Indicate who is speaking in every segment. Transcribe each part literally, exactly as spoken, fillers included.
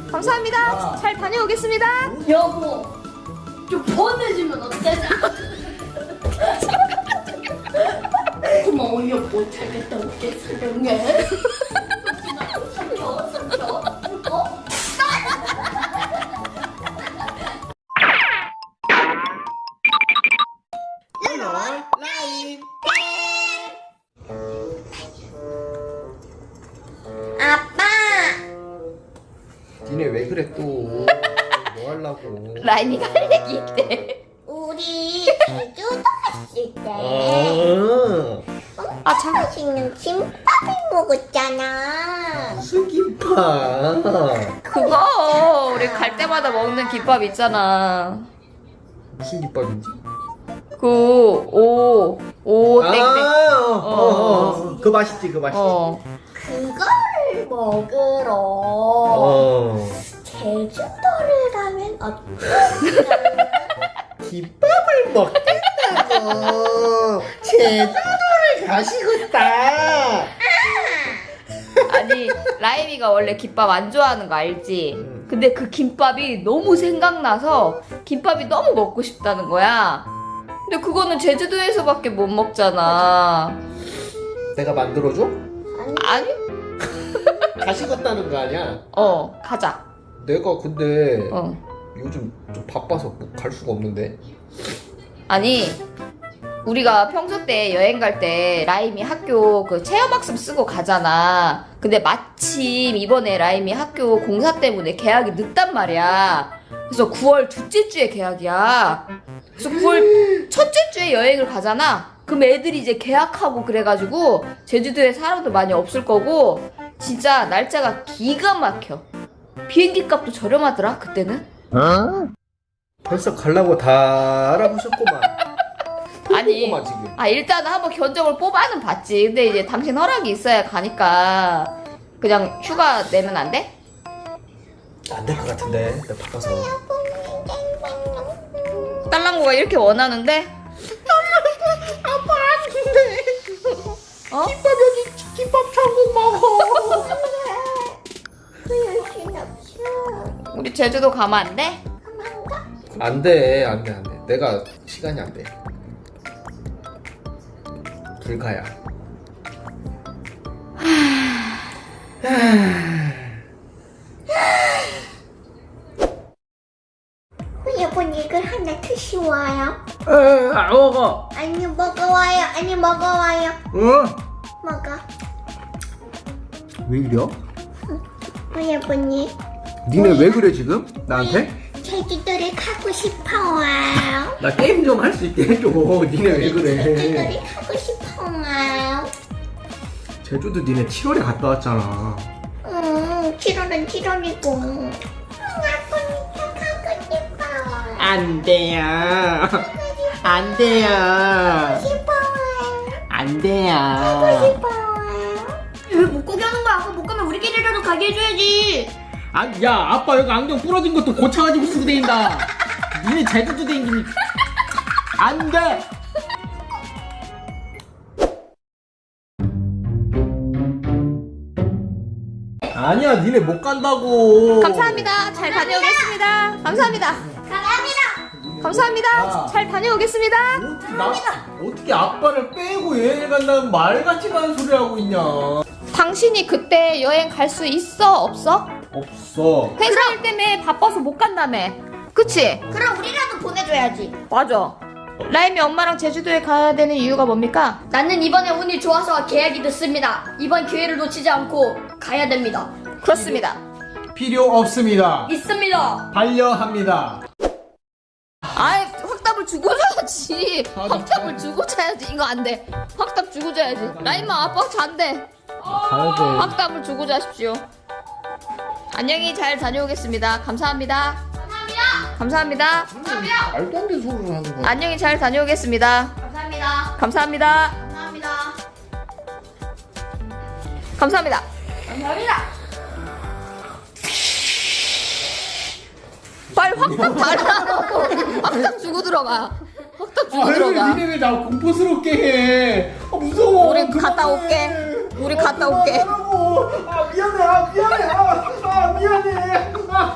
Speaker 1: 감사합니다. 잘 다녀오겠습니다.
Speaker 2: 여보, 좀 보내주면 어때나? 고마워 여보, 잘 갔다 올게. 사랑해. 삼켜 삼켜 어?
Speaker 3: 라임.
Speaker 2: 아빠,
Speaker 3: 니네 왜 그래 또? 뭐 하려고?
Speaker 1: 라임이가 할 얘기 있대.
Speaker 2: 우리 제주도 갔을 때
Speaker 3: 아,
Speaker 1: 아, 참.
Speaker 2: 맛있는 김밥을 먹었잖아.
Speaker 3: 무슨 김밥?
Speaker 1: 그거 우리 갈 때마다 먹는 김밥 있잖아.
Speaker 3: 무슨 김밥인지?
Speaker 1: 그 오, 오, 땡땡.
Speaker 3: 아, 어, 어,
Speaker 1: 어.
Speaker 3: 어. 그 맛있지, 그 맛있지.
Speaker 1: 어.
Speaker 2: 그걸 먹으러
Speaker 3: 어.
Speaker 2: 제주도를 가면 어떨까?
Speaker 3: 김밥을 먹겠다고. 제주도를 가시겠다.
Speaker 1: 아니, 라임이가 원래 김밥 안 좋아하는 거 알지? 근데 그 김밥이 너무 생각나서 김밥이 너무 먹고 싶다는 거야. 근데 그거는 제주도에서밖에 못 먹잖아.
Speaker 3: 내가 만들어줘?
Speaker 1: 아니?
Speaker 3: 가시겠다는 거 아니야?
Speaker 1: 어, 가자.
Speaker 3: 내가 근데
Speaker 1: 어.
Speaker 3: 요즘 좀 바빠서 뭐 갈 수가 없는데.
Speaker 1: 아니, 우리가 평소 때 여행 갈 때 라임이 학교 그 체험학습 쓰고 가잖아. 근데 마침 이번에 라임이 학교 공사 때문에 개학이 늦단 말이야. 그래서 구월 둘째 주에 개학이야. 그래서 구월 첫째 주에 여행을 가잖아. 그럼 애들이 이제 개학하고 그래가지고 제주도에 사람도 많이 없을 거고 진짜 날짜가 기가 막혀. 비행기 값도 저렴하더라 그때는.
Speaker 3: 어? 벌써 가려고 다 알아보셨구만.
Speaker 1: 아니,
Speaker 3: 보고만 지금.
Speaker 1: 아 일단은 한번 견적을 뽑아는 봤지. 근데 이제 당신 허락이 있어야 가니까 그냥 휴가 내면 안 돼?
Speaker 3: 안 될 것 같은데. 내가 바빠서.
Speaker 1: 딸랑구가 이렇게 원하는데?
Speaker 3: 아빠 안돼.
Speaker 1: 어?
Speaker 3: 김밥 여기 김밥 천국 먹어.
Speaker 1: 우리 제주도 가면 안 돼?
Speaker 3: 안 돼, 안 돼, 안 돼. 내가 시간이 안 돼. 불가야.
Speaker 2: 여보, 이걸 하나 드시와요.
Speaker 3: 에, 안 먹어.
Speaker 2: 아니 먹어와요. 아니 먹어와요.
Speaker 3: 응?
Speaker 2: 먹어.
Speaker 3: 왜 이래?
Speaker 2: 우리 여보님,
Speaker 3: 니네 왜 그래 지금? 나한테?
Speaker 2: 제주도를 가고 싶어와요.
Speaker 3: 나 게임 좀 할 수 있게 해줘. 니네 왜 그래?
Speaker 2: 제주도를 가고 싶어와요.
Speaker 3: 제주도 니네 칠월에 갔다 왔잖아.
Speaker 2: 음, 칠월은 칠월이고. 음, 아빠니까 가고 싶어요.
Speaker 3: 안 돼요. 안 돼요.
Speaker 2: 싶어요.
Speaker 3: 안 돼요.
Speaker 2: 싶어요. 왜 못 가게 하는 거야? 아까 못 가면 우리끼리라도 가게 해줘야지.
Speaker 4: 아, 야, 아빠 여기 안경 부러진 것도 고쳐가지고 쓰고 다닌다. 니네 제주도 다니니 안 돼. 아니야, 니네 못 간다고.
Speaker 1: 감사합니다. 잘 다녀오겠습니다. 감사합니다.
Speaker 2: 감사합니다.
Speaker 1: 감사합니다. 잘 다녀오겠습니다.
Speaker 4: 어떻게, 나, 어떻게 아빠를 빼고 여행을 간다는 말같이 가는 소리 하고 있냐?
Speaker 1: 당신이 그때 여행 갈 수 있어? 없어?
Speaker 4: 없어.
Speaker 1: 회사 일 때문에 바빠서 못 간다며. 그치?
Speaker 2: 그럼 우리라도 보내줘야지.
Speaker 1: 맞아. 라임이 엄마랑 제주도에 가야 되는 이유가 뭡니까?
Speaker 2: 나는 이번에 운이 좋아서 계약이 됐습니다. 이번 기회를 놓치지 않고 가야 됩니다.
Speaker 1: 그렇습니다.
Speaker 4: 필요 없습니다.
Speaker 2: 있습니다.
Speaker 4: 반려합니다.
Speaker 1: 아이, 확답을 주고 자야지. 확답을 주고 자야지. 이거 안 돼. 확답 주고 자야지. 라임아, 아빠 잔대.
Speaker 4: 가야 돼.
Speaker 1: 확답을 주고 자십시오. 안녕히 잘 다녀오겠습니다. 감사합니다. 감사합니다. 감사합니다.
Speaker 3: 말도 안 되는 소리를 하는 거야.
Speaker 1: 안녕히 잘 다녀오겠습니다.
Speaker 2: 감사합니다.
Speaker 1: 감사합니다.
Speaker 2: 감사합니다.
Speaker 1: 감사합니다.
Speaker 2: 감사합니다.
Speaker 1: 빨리 확답 달라고. 확답 주고 들어가. 확답 주고 들어가.
Speaker 4: 니네 왜 나 공포스럽게 해? 아, 무서워.
Speaker 1: 우리
Speaker 4: 그만해.
Speaker 1: 갔다 올게. 우리 갔다 올게.
Speaker 4: 그만하라고. 아, 미안해. 아, 미안해. 아, 아 미안해. 아.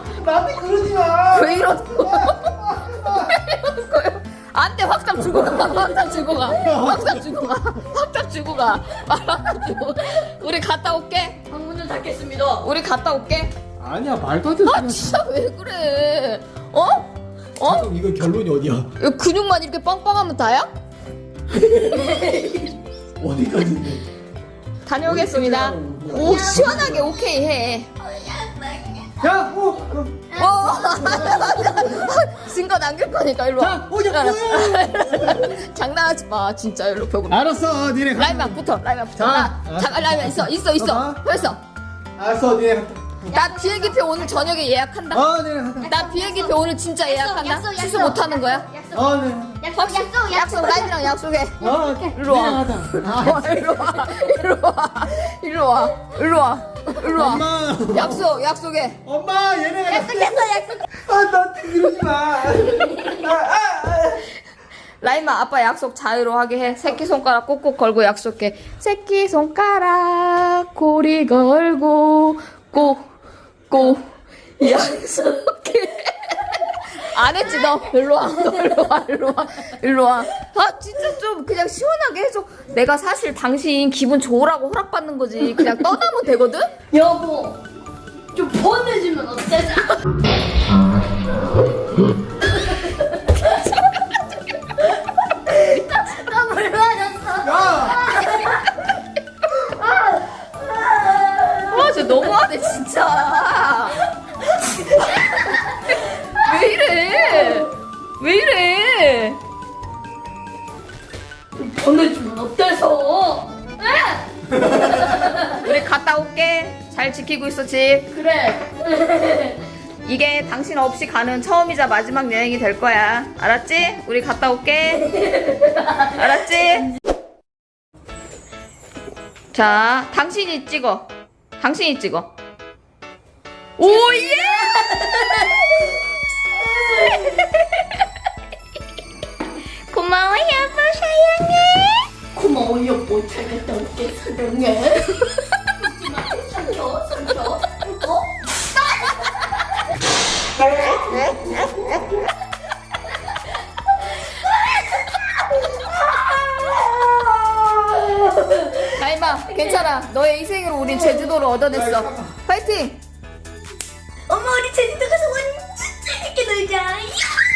Speaker 1: 주고 가. 확답 주고 가. 확답 주고 가. 확답 주고 가. 확답 주고 가. 우리 갔다 올게.
Speaker 2: 방문을 닫겠습니다.
Speaker 1: 우리 갔다 올게.
Speaker 4: 아니야 말도 안 돼.
Speaker 1: 아 진짜 왜 그래? 어? 어?
Speaker 4: 잠깐 이거 결론이 어디야?
Speaker 1: 이거 근육만 이렇게 빵빵하면 다야?
Speaker 4: 어디까지인데?
Speaker 1: 다녀오겠습니다. 오 시원하게 오케이 해.
Speaker 4: 야, 어, 어.
Speaker 1: 어. 증거 남길 거니까 일로 와.
Speaker 4: 자, 오자, 오자.
Speaker 1: 장난하지 마 진짜 일로 벽으로.
Speaker 4: 알았어, 니네 가.
Speaker 1: 라이만 붙어 라이만 붙어.
Speaker 4: 자,
Speaker 1: 나,
Speaker 4: 아.
Speaker 1: 잠깐 라이만 있어 있어 있어.
Speaker 4: 봐봐.
Speaker 1: 벌써.
Speaker 4: 알았어, 니네 갔다.
Speaker 1: 나 비행기표 오늘 저녁에 예약한다.
Speaker 4: 어, 니네 갔다.
Speaker 1: 나 비행기표 오늘 진짜 예약한다.
Speaker 2: 약속, 약속,
Speaker 1: 취소
Speaker 2: 약속.
Speaker 1: 못 하는 거야?
Speaker 2: 약속.
Speaker 4: 어, 네.
Speaker 2: 약속,
Speaker 1: 확실-
Speaker 2: 약속,
Speaker 1: 약속 라이브랑 약속해.
Speaker 4: 어,
Speaker 1: 일로 와.
Speaker 4: 니네 가자.
Speaker 1: 어, 일로 와. 일로 와. 일로 와. 일로 와. 일로 와.
Speaker 4: 엄마.
Speaker 1: 약속 약속해.
Speaker 4: 엄마, 얘네가
Speaker 2: 약속했어, 약속.
Speaker 4: 아, 나한테 이러지 마. 아, 아, 아.
Speaker 1: 라임아 아빠 약속 자유로 하게 해. 새끼손가락 꼭꼭 걸고 약속해. 새끼손가락 고리 걸고 꼭꼭 약속해. 안 했지 너. 일로 와. 너 일로 와. 일로 와. 일로 와. 아 진짜 좀 그냥 시원하게 해줘. 내가 사실 당신 기분 좋으라고 허락받는 거지. 그냥 떠나면 되거든?
Speaker 2: 여보, 좀 보내주면 어때서? 나 물 맞았어.
Speaker 1: 아, 진짜 너무하네, 진짜. 왜 이래? 왜 이래?
Speaker 2: 보내주면 어때서?
Speaker 1: 우리 갔다 올게. 잘 지키고 있어, 집.
Speaker 2: 그래.
Speaker 1: 이게 당신 없이 가는 처음이자 마지막 여행이 될 거야. 알았지? 우리 갔다 올게. 알았지? 자, 당신이 찍어. 당신이 찍어. 오예! 고마워, 여보, 사랑해.
Speaker 2: 고마워, 여보. 잘 갔다 올게, 사랑해. 하지마, 삼켜, 삼켜. 어?
Speaker 1: 다임아, 괜찮아. 너의 희생으로 우린 제주도를 얻어냈어. 파이팅!
Speaker 2: 엄마, 우리 제주도 가서 완전 재밌게 놀자. 야!